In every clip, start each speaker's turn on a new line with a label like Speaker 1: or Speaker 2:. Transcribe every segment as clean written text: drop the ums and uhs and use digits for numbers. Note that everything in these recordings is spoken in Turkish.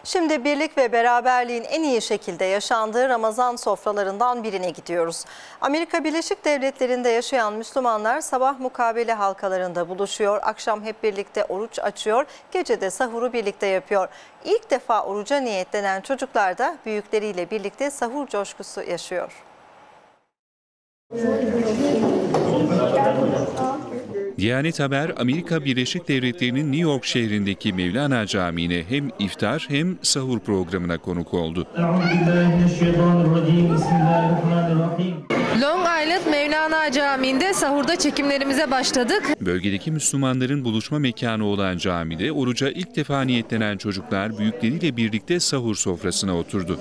Speaker 1: Şimdi birlik ve beraberliğin en iyi şekilde yaşandığı Ramazan sofralarından birine gidiyoruz. Amerika Birleşik Devletleri'nde yaşayan Müslümanlar sabah mukabele halkalarında buluşuyor, akşam hep birlikte oruç açıyor, gece de sahuru birlikte yapıyor. İlk defa oruca niyetlenen çocuklar da büyükleriyle birlikte sahur coşkusu yaşıyor.
Speaker 2: Diyanet Haber, Amerika Birleşik Devletleri'nin New York şehrindeki Mevlana Camii'ne hem iftar hem sahur programına konuk oldu.
Speaker 3: Long Island Mevlana Camii'nde sahurda çekimlerimize başladık.
Speaker 2: Bölgedeki Müslümanların buluşma mekanı olan camide oruca ilk defa niyetlenen çocuklar büyükleriyle birlikte sahur sofrasına oturdu.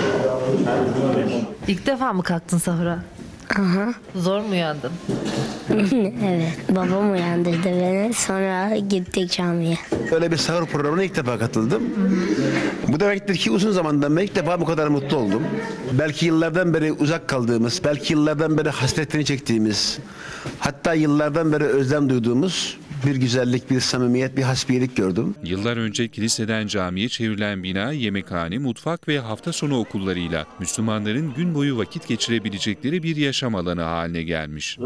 Speaker 3: İlk defa mı kalktın sahura?
Speaker 4: Aha.
Speaker 3: Zor mu uyandın?
Speaker 4: Evet, babam uyandırdı beni, sonra gittik camiye.
Speaker 5: Öyle bir sahur programına ilk defa katıldım. Bu demektir ki uzun zamandan beri ilk defa bu kadar mutlu oldum. Belki yıllardan beri uzak kaldığımız, belki yıllardan beri hasretini çektiğimiz, hatta yıllardan beri özlem duyduğumuz bir güzellik, bir samimiyet, bir hasbiyelik gördüm.
Speaker 2: Yıllar önce kiliseden camiye çevrilen bina, yemekhane, mutfak ve hafta sonu okullarıyla Müslümanların gün boyu vakit geçirebilecekleri bir yaşam alanı haline gelmiş.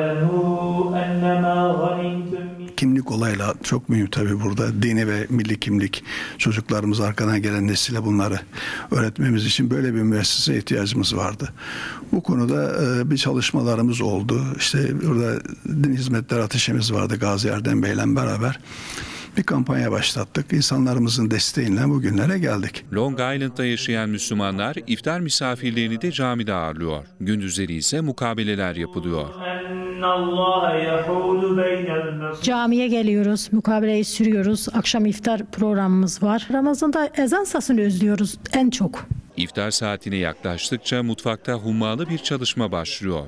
Speaker 6: Kimlik olayla çok mühim tabii burada. Dini ve milli kimlik. Çocuklarımız, arkadan gelen nesile bunları öğretmemiz için böyle bir müesseseye ihtiyacımız vardı. Bu konuda bir çalışmalarımız oldu. İşte burada din hizmetleri ateşimiz vardı Gazi Erdem Bey'le beraber. Bir kampanya başlattık. İnsanlarımızın desteğiyle bugünlere geldik.
Speaker 2: Long Island'da yaşayan Müslümanlar iftar misafirlerini de camide ağırlıyor. Gündüzleri ise mukabeleler yapılıyor.
Speaker 7: Camiye geliyoruz, mukabeleyi sürüyoruz. Akşam iftar programımız var. Ramazan'da ezan sesini özlüyoruz en çok.
Speaker 2: İftar saatine yaklaştıkça mutfakta hummalı bir çalışma başlıyor.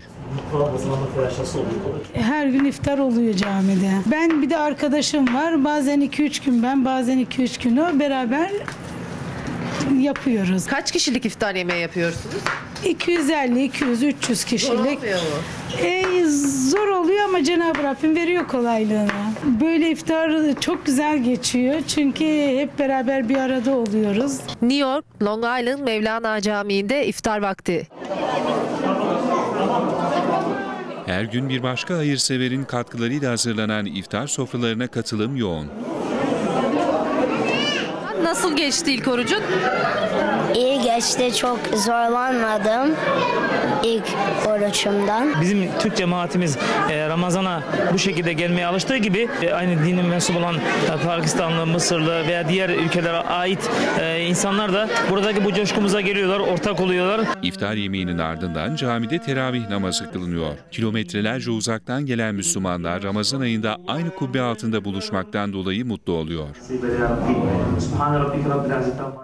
Speaker 8: Her gün iftar oluyor camide. Ben bir de arkadaşım var. Bazen 2-3 gün ben, bazen 2-3 gün o. Beraber yapıyoruz.
Speaker 3: Kaç kişilik iftar yemeği yapıyorsunuz?
Speaker 8: 250, 200, 300 kişilik.
Speaker 3: Zor olmuyor mu?
Speaker 8: Zor oluyor ama Cenab-ı Rabbim veriyor kolaylığını. Böyle iftar çok güzel geçiyor. Çünkü hep beraber bir arada oluyoruz.
Speaker 3: New York, Long Island Mevlana Camii'nde iftar vakti.
Speaker 2: Her gün bir başka hayırseverin katkılarıyla hazırlanan iftar sofralarına katılım yoğun.
Speaker 3: Nasıl geçti ilk orucun?
Speaker 4: İyi geçti, çok zorlanmadım ilk oruçumdan.
Speaker 9: Bizim Türk cemaatimiz Ramazan'a bu şekilde gelmeye alıştığı gibi aynı dinin mensup olan Pakistanlı, Mısırlı veya diğer ülkelere ait insanlar da buradaki bu coşkumuza geliyorlar, ortak oluyorlar.
Speaker 2: İftar yemeğinin ardından camide teravih namazı kılınıyor. Kilometrelerce uzaktan gelen Müslümanlar Ramazan ayında aynı kubbe altında buluşmaktan dolayı mutlu oluyor.